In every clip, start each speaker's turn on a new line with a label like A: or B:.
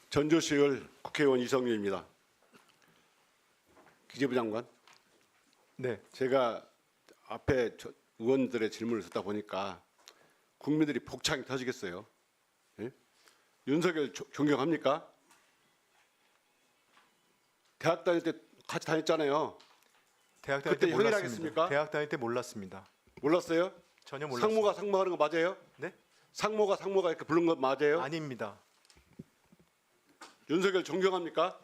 A: 전주시의회 국회의원 이성유입니다. 기재부 장관,
B: 네,
A: 제가 앞에 의원들의 질문을 듣다 보니까 국민들이 복창이 터지겠어요. 예? 윤석열 존경합니까? 대학 다닐 때 같이 다녔잖아요.
B: 대학 다닐
A: 그때
B: 때
A: 형이라
B: 몰랐습니다.
A: 하겠습니까?
B: 대학 다닐 때 몰랐습니다.
A: 몰랐어요?
B: 전혀 몰랐습니다.
A: 상모가 상모하는 거 맞아요?
B: 네?
A: 상모가 이렇게 부른 거 맞아요?
B: 아닙니다.
A: 윤석열 존경합니까?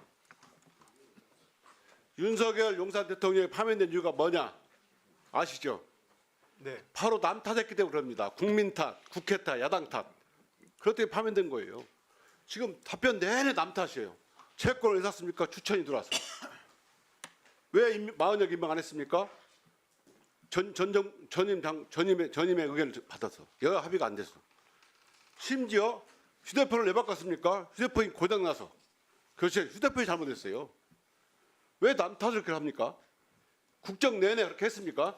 A: 윤석열 용산 대통령이 파면된 이유가 뭐냐 아시죠?
B: 네,
A: 바로 남 탓했기 때문에 그럽니다. 국민 탓, 국회 탓, 야당 탓. 그것 때문에 파면된 거예요. 지금 답변 내내 남 탓이에요. 채권을 왜 샀습니까? 추천이 들어왔어. 왜 40여 임명 안 했습니까? 전임의 의견을 받아서 여야 합의가 안 됐어. 심지어 휴대폰을 왜 바꿨습니까? 휴대폰이 고장나서. 그렇지, 휴대폰이 잘못됐어요. 왜 남 탓을 그렇게 합니까? 국정 내내 그렇게 했습니까?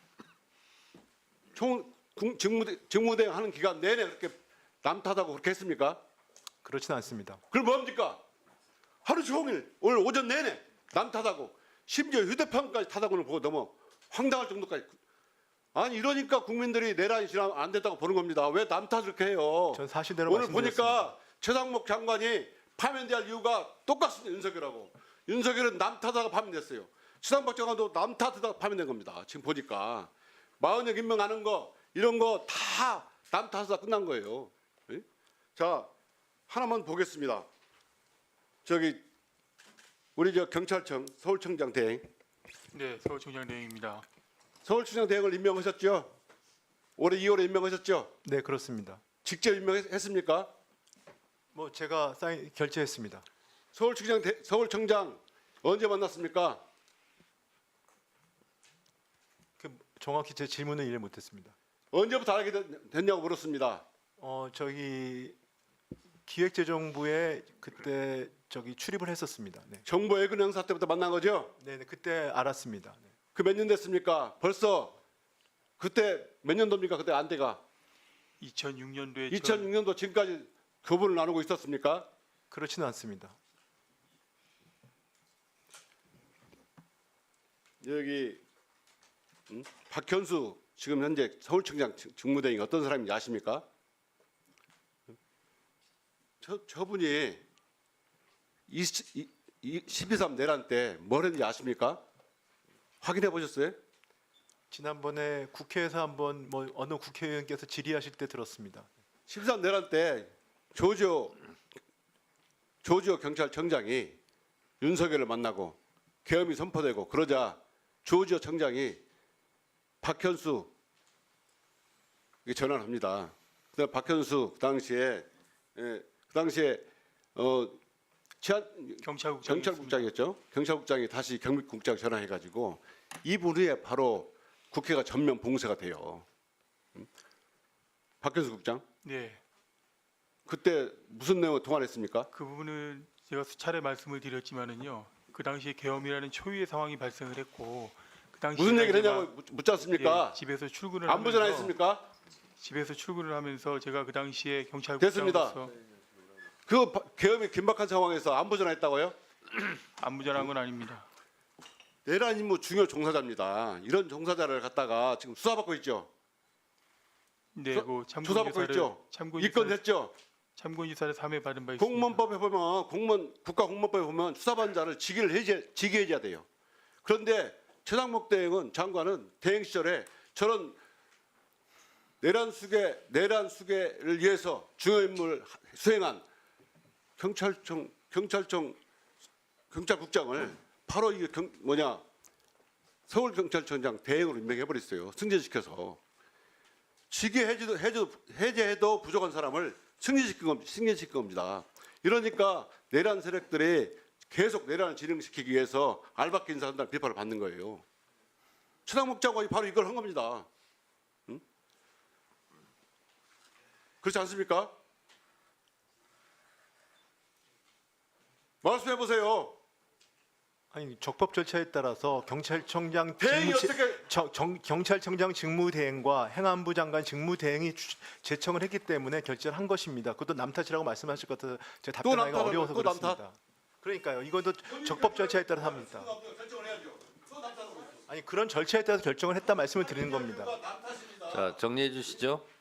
A: 직무대행 하는 기간 내내 그렇게 남 탓하고 그렇게 했습니까?
B: 그렇진 않습니다.
A: 그럼 뭡니까? 하루 종일 오늘 오전 내내 남 탓하고 심지어 휴대폰까지 탓하고는 보고 너무 황당할 정도까지. 아니 이러니까 국민들이 내란이 지나면 안 됐다고 보는 겁니다. 왜 남 탓을 그렇게 해요?
B: 전 사실대로
A: 오늘
B: 말씀드렸습니다.
A: 보니까 최상목 장관이 파면될 이유가 똑같습니다. 윤석열하고. 윤석열은 남 탓하다가 파면됐어요. 최상목 장관도 남 탓하다가 파면된 겁니다. 지금 보니까 40여 임명하는 거 이런 거 다 남 탓하다 끝난 거예요. 예? 자 하나만 보겠습니다. 저기 우리 경찰청 서울청장 대행.
C: 네, 서울청장 내용입니다.
A: 서울청장 대행을 임명하셨죠? 올해 2월에 임명하셨죠?
B: 네, 그렇습니다.
A: 직접 임명했습니까?
B: 뭐 제가 결제했습니다.
A: 서울청장 언제 만났습니까?
B: 정확히 제 질문을 이해 못했습니다.
A: 언제부터 알게 됐냐고 물었습니다.
B: 저기 기획재정부에 그때 출입을 했었습니다. 네,
A: 정부 예금 행사 때부터 만난 거죠?
B: 네, 그때 알았습니다. 네.
A: 그 몇 년 됐습니까? 벌써 그때 몇 년도입니까? 그때 안대가
C: 2006년도에
A: 2006년도 지금까지 교분을 나누고 있었습니까?
B: 그렇지는 않습니다.
A: 여기 박현수 지금 현재 서울청장 직무대행이 어떤 사람인지 아십니까? 저분이 12.3 내란 때 뭘 했는지 아십니까? 확인해 보셨어요?
B: 지난번에 국회에서 한번 어느 국회의원께서 질의하실 때 들었습니다.
A: 13 내란 때 조지오 경찰청장이 윤석열을 만나고 계엄이 선포되고 그러자 조지오 청장이 박현수 전화를 합니다. 그다음 박현수 그 당시에 경찰국장이었죠. 경찰국장이 다시 경비국장 전화해가지고 2분 후에 바로 국회가 전면 봉쇄가 돼요. 박현수 국장.
C: 네,
A: 그때 무슨 내용을 통화를 했습니까?
C: 그 부분은 제가 수차례 말씀을 드렸지만은요. 그 당시에 계엄이라는 초유의 상황이 발생을 했고 그 당시에
A: 무슨 얘기를 했냐고 묻지 않습니까?
C: 집에서 출근을
A: 안부
C: 하면서
A: 전화했습니까?
C: 집에서 출근을 하면서 제가 그 당시에
A: 됐습니다.
C: 경찰국장으로서
A: 그 계엄이 긴박한 상황에서 안부 전화했다고요?
C: 안부 전한 건 아닙니다.
A: 내란 임무 중요 종사자입니다. 이런 종사자를 갖다가 지금 수사받고 있죠.
C: 네, 그
A: 조사받고 있죠. 입건됐죠.
C: 참고인 유사를 3회 받은 바 있습니다.
A: 공무원법에 보면 국가공무원법에 보면 수사받은 자를 직위 해제해야 돼요. 그런데 최상목 장관은 대행 시절에 저런 내란 수계를 위해서 중요 임무를 수행한 경찰국장을 바로 서울경찰청장 대행으로 임명해 버렸어요. 승진시켜서 직위 해제해도 부족한 사람을 승진시킨 겁니다. 이러니까 내란 세력들이 계속 내란을 진행시키기 위해서 알박기 인사한다는 비판을 받는 거예요. 최상목 장관이 바로 이걸 한 겁니다. 응? 그렇지 않습니까? 말씀해 보세요.
B: 아니 적법 절차에 따라서 경찰청장
A: 대행이
B: 직무
A: 어떻게
B: 경찰청장 직무대행과 행안부 장관 직무대행이 제청을 했기 때문에 결재를 한 것입니다. 그것도 남탓이라고 말씀하실 것 같아서 제가
A: 또
B: 답변하기가
A: 남탓하고
B: 어려워서
A: 또 남탓?
B: 그렇습니다. 그러니까요. 이것도 적법 절차에 따라 합니다.
A: 결정을 해야죠. 또 남탓하고 있어.
B: 아니 그런 절차에 따라서 결정을 했다 말씀을 드리는 겁니다.
A: 남탓입니다.
D: 자, 정리해 주시죠.